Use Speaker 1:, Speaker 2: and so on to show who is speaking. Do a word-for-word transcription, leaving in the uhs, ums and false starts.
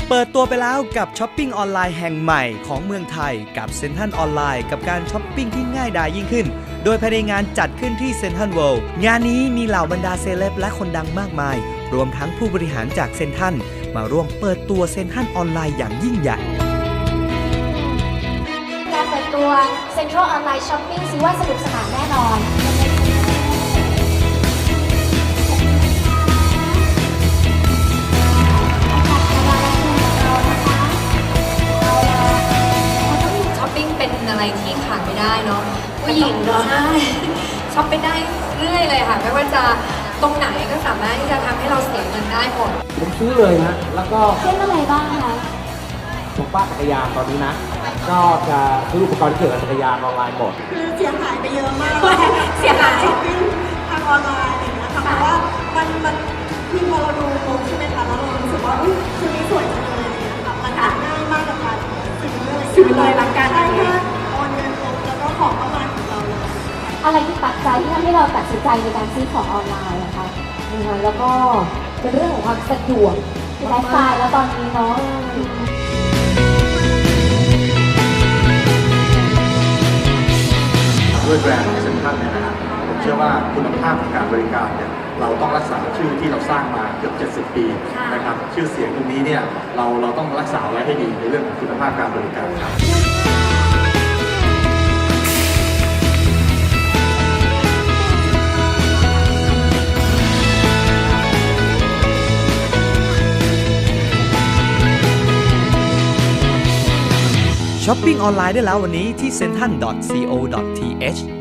Speaker 1: เปิดตัวไปแล้วกับช้อปปิ้งออนไลน์แห่งใหม่ของเมืองไทยกับเซ็นทรัลออนไลน์กับการช้อปปิ้งที่ง่ายดายยิ่งขึ้นโดยภายในงานจัดขึ้นที่เซ็นทรัลเวิลด์งานนี้มีเหล่าบรรดาเซเลบและคนดังมากมายรวมทั้งผู้บริหารจากเซ็นทรัลมาร่วมเปิดตัวเซ็นทรัลออนไลน์อย่างยิ่งใหญ่
Speaker 2: การเปิดตัว Central Online Shopping ซิว่าสนุกสนานแน่นอน
Speaker 3: ช้อปปิ้งเป็นอะไรที่ขาดไม่ได้เนาะผู้หญิงเนาะใช่ช้อปไปได้เรื่อยเลยค่ะไม่ว่าจะตรงไหนก็สามารถที่จะทำให้เราเสียเงินได้หมด
Speaker 4: ผมซื้อเลยฮะแล้วก็
Speaker 2: เช่นอะไรบ้างคะ
Speaker 4: ผมป้าจักรยานตอนนี้นะก็จะซื้ออุปกรณ์ที่เกี่ยวกับจักรยานออนไลน์หมด
Speaker 5: คือเสียหายไปเยอะมากเลยเสียหายช้อปปิ้งทางออนไลน์อะไรอย่างเงี้ยค่ะเพราะว่ามันมันคือพอเราดูโพสใช่ไหมคะแล้วเรารู้สึกว่าอุ้ยชุดนี้สวยจังเลยอะไรอย่างเงี้ยค่ะมันง่ายมากกับการซื้อเลยซื้อเลยหลังการได้แค่โอนเงินปุ๊บแล้วก็ของเข้ามาถึงเราเลย
Speaker 2: อะไรที่ปัจจัยที่ทำให้เราตัดสินใจในการซื้อของออนไลน์นะคะแล้วก็เป็นเรื่องของความสะดวกไลฟ์สไตล์แล้วตอนนี้เนาะ
Speaker 6: ด้วยแบรนด์เซ็นทรัลเนี่ยนะครับผมเชื่อว่าคุณภาพของการบริการเนี่ยเราต้องรักษาชื่อที่เราสร้างมาเกือบเจ็ดสิบปีนะครับชื่อเสียงตรงนี้เนี่ยเราเราต้องรักษาไว้ให้ดีในเรื่องของคุณภาพการบริการครับ
Speaker 1: ช้อปปิ้งออนไลน์ได้แล้ววันนี้ที่ เซ็นทรัล ดอท ซี โอ ดอท ที เอช